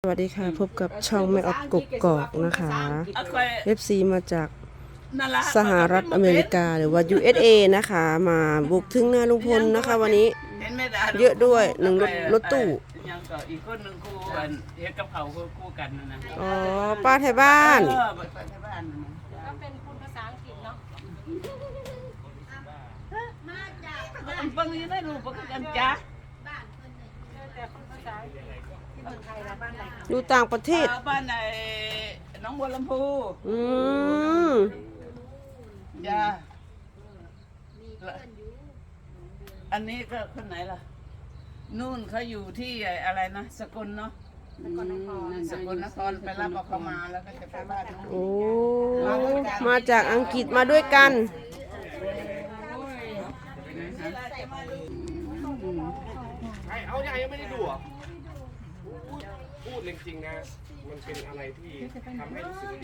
สวัสดีค่ะพบกับช่องแม่ออฟกกอกนะคะ FC มาจากสหรัฐอเมริกาหรือว่า USA นะคะมาบุกถึงหน้าลุงพลนะคะวันนี้เยอะด้วยหนึ่งรถตู้ยังก็อีกคนหนึ่งคู่กันเฮ็ดกับเขาคู่กันนะอ๋อป้าไทยบ้านป้าไทยบ้านก็เป็นคุณภาษาอังกฤษเนาะมาจากบางทีได้รู้ปกกันจ้ะแต่คุณภาษาอังกฤษที่เมืองไทยแล้วบ้านไหนอยู่ต่างประเทศบ้านไหนน้องบัวลำพูจ้ะอันนี้ก็คนไหนล่ะนู่นเขาอยู่ที่อะไรนะสกลเนาะสกลนครไปรับเอาเขามาแล้วก็จะไปบ้านน้องโอ้มาจากอังกฤษมาด้วยกันเอาใหญ่ยังไม่ได้ดูอ่ะพูดจริงๆนะมันเป็นอะไรที่ทำให้รู้สึกดี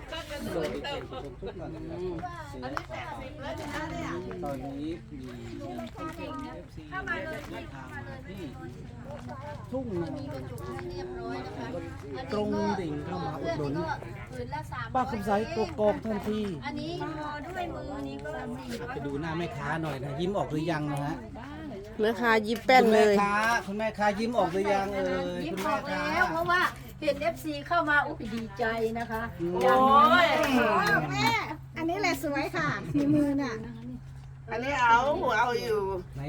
ตอนนี้มีเข้ามาเลยที่ทุ่งตรงดิ่งเข้ามาอุดหนุนป้าคำใสกกอกทันทีอันนี้พอด้วยมือนี้ก็ไปดูหน้าแม่ค้าหน่อยนะยิ้มออกหรือยังนะฮะแม่ค้ายิ้มแป้นเลยคุณแม่ค้ายิ้มออกหรือยังยิ้มคุณออกแล้วเพราะว่าเห็น FC เข้ามาอุ๊ยดีใจนะคะโอ้ยแม่อันนี้แหละสวยค่ะฝีมือน่ะอันนี้เอาอยู่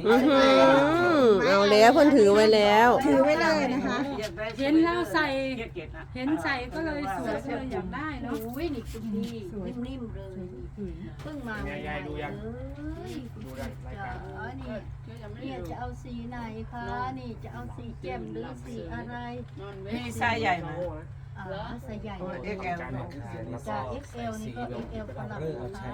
เอาแล้วเพิ่นถือไว้แล้วถือไว้เลยนะคะเห็นแล้วใส่เห็นใส่ก็เลยสวยเลยอยากได้เนาะอุ้ยนี่คุณดีนิ่มๆเลยเพิ่งมายายดูยังดูรายการนี่จะเอาสีไหนคะนี่จะเอาสีแจ่มหรือสีอะไรนี่ไซส์ใหญ่ไหมไซส์ใหญ่ XL จาก XL นี่ก็ XL ขนาดนะคะ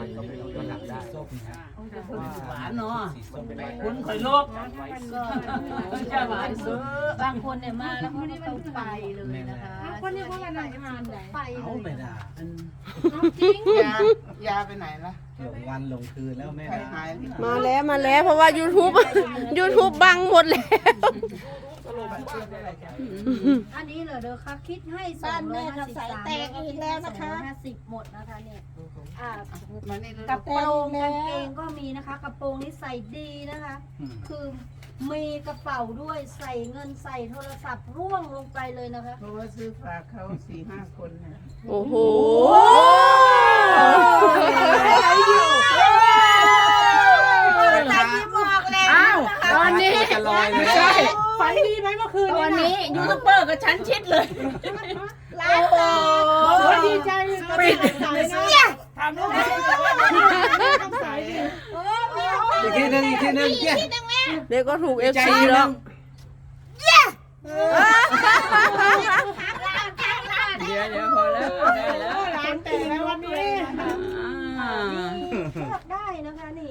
หวานเนาะคุณข่อยโลกก็จะหวานซื้อบางคนเนี่ยมาแล้วเขาไม่ต้องไปเลยนะคะคนนี้เขากำลังทานไหนไปเอาไม่ได้จริงยาไปไหนล่ะหลงวันหลงคืนแล้วแม่มาแล้วเพราะว่า YouTube บังหมดแล้วอันนี้เหรอเด้อคะคิดให้253แตกอีกแล้วนะคะ250หมดนะคะเนี่ยกระโปรงกางเกงก็มีนะคะกระโปรงนี้ใส่ดีนะคะคือมีกระเป๋าด้วยใส่เงินใส่โทรศัพท์ร่วงลงไปเลยนะคะเพราะว่าซื้อฝากเขา 4-5 คนนะโอ้โหตอนนี้ไม่ใช่ฝันดีไหมเมื่อคืนตอนนี้ยูทูบเบอร์กับฉันชิดเลยร้านแตกดีใจปิดทำด้วยอีกทีนึงเด็กก็ถูก FC แล้วเดี๋ยวพอแล้วได้แล้วร้านแต่แล้ววันนี้เลือกได้นะคะนี่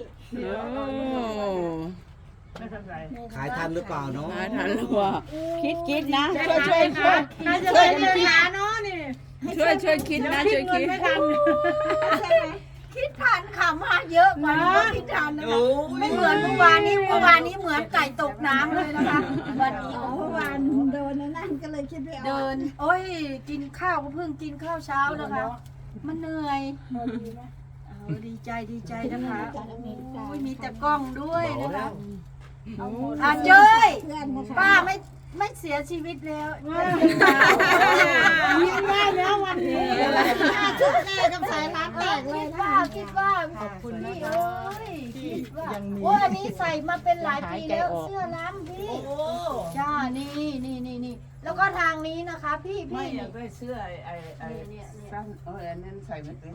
ขายทันหรือเปล่าเนาะทันหรือเปล่าคิดนะช่วยใครจะได้เงินหาเนาะนี่ช่วยคิดนะช่วยคิดไม่ทันคิดทันค่ะมาเยอะกว่าคิดทันนะคะไม่เหมือนเมื่อวานนี้เหมือนไก่ตกน้ำเลยนะคะวันนี้เมื่อวานเดินนั่นก็เลยคิดไม่ออกเดินโอ้ยกินข้าวก็เพิ่งกินข้าวเช้านะคะมันเหนื่อยดีใจนะคะมีแต่กล้องด้วยนะคะเจ้ยป้าไม่เสียชีวิตแล้วยิ้มได้แล้ววันนี้ชุดแรกกับสายร้านแตกเลยคิดว่าขอบคุณพี่โอ้ยคิดว่าอันนี้ใส่มาเป็นหลายปีแล้วเสื้อล้ำพี่จ้านี่แล้วก็ทางนี้นะคะพี่อยากได้เสื้อไอ้สั้นอันนั้นใส่ไม่เป็น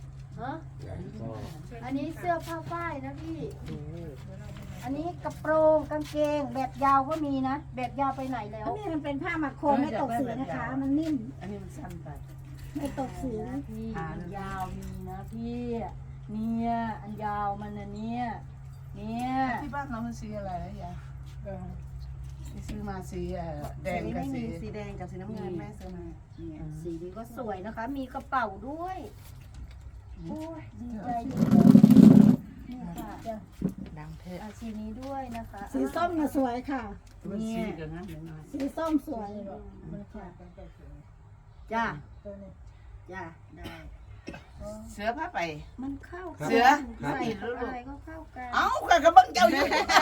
อันนี้เสื้อผ้าฝ้ายนะพี่อันนี้กระโปรงกางเกงแบบยาวก็มีนะแบบยาวไปไหนแล้วนี่มันเป็นผ้าหมักโคมไม่ตกสีนะคะมันนิ่มอันนี้มันสั้นไปไม่ตกสีพี่ยาวมีนะพี่เนี่ยอันยาวมันเนี่ยที่บ้านเรามันสีอะไรนะยายที่ซื้อมาสีแดงกับสีแดงกับสีน้ำเงินแม่ซื้อมาสีนี้ก็สวยนะคะมีกระเป๋าด้วยโอ้ยดีใจนี่ค่ะสีนี้ด้วยนะคะสีส้มน่ะสวยค่ะมันซีกันนะเดี๋ยวหน่อยสีส้มสวยจ้าจ้าได้เสือผ้าไปมันเข้าเสือใส่อะไรก็เข้ากันเอ้าก็กระบังเจ้าอยู่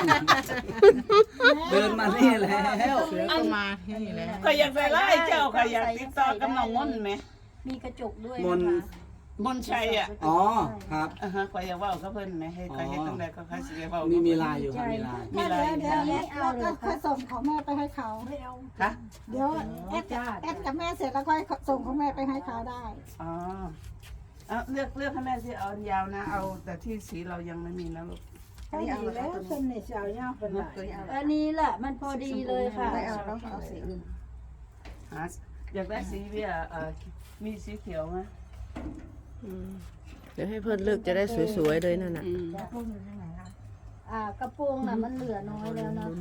เดินมานี่แล้วก็อยากใส่ไล่เจ้าก็อยากติดต่อกับน้องมนต์ไหมมีกระจกด้วยมนนะคะมนต์ชัยอ่ะอ๋อครับก็อยากเว่าก็เพิ่นไหมให้ใครให้ตั้งแต่ก็ใครสิเว้ามีลายอยู่ครับมีลายมีลายเดี๋ยวเราก็ค่อยส่งของแม่ไปให้เขาค่ะเดี๋ยวแอดกับแม่เสร็จแล้วค่อยส่งของแม่ไปให้เขาได้อ๋อเอาเลือกให้แม่สิเอาอันยาวนะ เอาแต่ที่สีเรายังไม่มีนะลูกก็ดีแล้วคนในเช้าย่าเป็นไรอันนี้แหละมันพอดีเลยค่ะไม่เอาแล้วเอาสีอื่นหาอยากได้สีเบียมีสีเขียวไหมเดี๋ยวให้เพื่อนเลือกจะได้สวยๆเลยนั่นน่ะกระโปรงน่ะมันเหลือน้อยแล้วนะคะ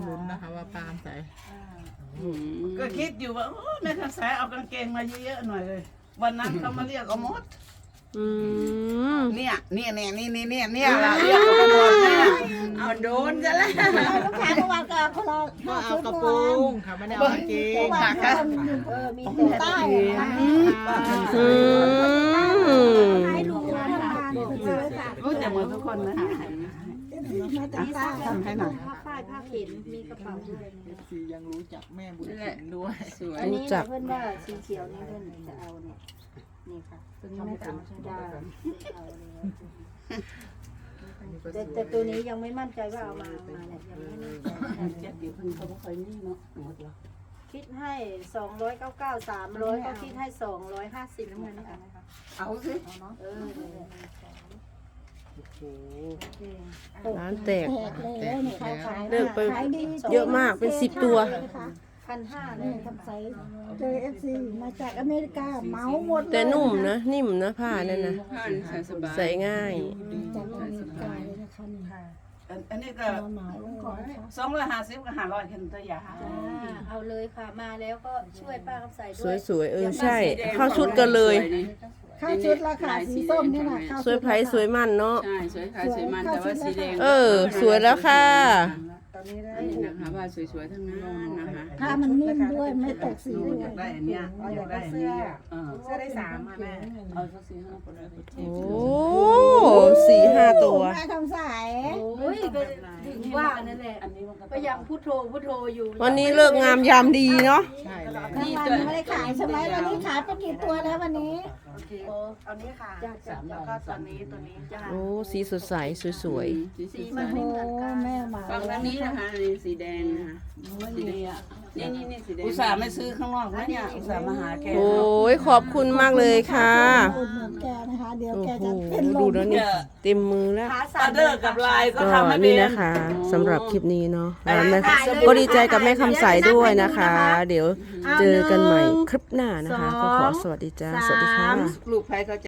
ก็คิดอยู่ว่าแม่ทักษะเอากางเกงมาเยอะๆหน่อยเลย วันนั้นเขามาเรียกเอาหมดอืมเนี่ยเราเรียกเอาหมดเนี่ยเอาโดนซะแล้วลูกค้าเมื่อวานก็คนละก็เอากระโปรงค่ะไม่ได้เอากางเกงหนักค่ะมีแต่ใต้อืมให้ดูนะคะซื้อค่ะรู้จักหมดทุกคนนะมาจากใต้ทำให้หน่อยผ้าฝ้ายผ้าเข็นมีกระเป๋าด้วยซียังรู้จักแม่บุญถิ่นด้วยอันนี้เพื่อนว่าสีเขียวนี่เพื่อนจะเอาเนี่ยนี่ค่ะตัวนี้ไม่เอาใช่ได้แต่ตัวนี้ยังไม่มั่นใจว่าเอามาเนี่ยยังไม่มั่นใจเจ็ดเดี๋ยวเพิ่งเขาไม่เคยนี่เนาะหมดแล้วคิดให้299 300ก็คิดให้250น้ำเงินนะคะเอาสิร้านแตกแตกแล้วเนี่ยเขาขายเลิกไปขายดีเยอะมากเป็น10 ตัว 1,500เลยทำไซส์เจอFC มาจากอเมริกาเหมาหมดเลยแต่นุ่มนะนิ่มนะผ้านั่นนะใส่ง่ายจากอเมริกาเลยนะคะนี่อันนี้ก็เหมาเลยนะคะ 250กับ500แค่ตัวยาเอาเลยค่ะมาแล้วก็ช่วยป้าคำใส่ด้วยสวยๆใช่ เข้าชุดกันเลยเข้าชุดราคาสีส้มนี่นะเข้าสวยไพรสวยมันเนาะใช่สวยค่ะสวยมันแต่ว่าสีแดงสวยแล้วค่ะนี่นะคะว่าสวยๆทั้งนั้นนะคะผ้ามันนิ่มด้วยไม่ตกสีด้วยอยากได้อันเนี้ยอยากได้อันนี้เสื้อได้3มาแม่เอาสัก4-5คนแล้วก็เจ็บโอ้4-5 ตัวแม่คำใสโอ้ยก็ถึงว่านั่นแหละอันนี้มันก็ก็ยังพุทโธอยู่วันนี้เลิกงามยามดีเนาะทั้งวันไม่ได้ขายใช่ไหมวันนี้ขายไปกี่ตัวแล้ววันนี้เอานี้ค่ะจ้าแล้วก็ตัวนี้จ้าโอ้สีสดใสสวยสีโอ้โหแม่มาฝั่งด้านนี้นะคะนี่สีแดงนะคะสีแดงนี่สีแดงอุตส่าห์ไม่ซื้อข้างนอกนะเนี่ยอุตส่าห์มาหาแกๆ โอ้ยขอบคุณมากเลยค่ะอุดหนุนแกนะคะ เดี๋ยวโอ้แกโหจะเป็นลดูมแล้วนี่เต็มมือแล้วขาอสั่อน เดอร์กับลายก็ก็ทำให้เป็นี่นนะคะสำหรับคลิปนี้เนาะก็ดีใจกับแม่คำใสด้วยนะคะ เดี๋ยวเจอกันใหม่คลิปหน้านะคะ ก็ขอสวัสดีจ้า สวัสดีค่ะลูกใครเขา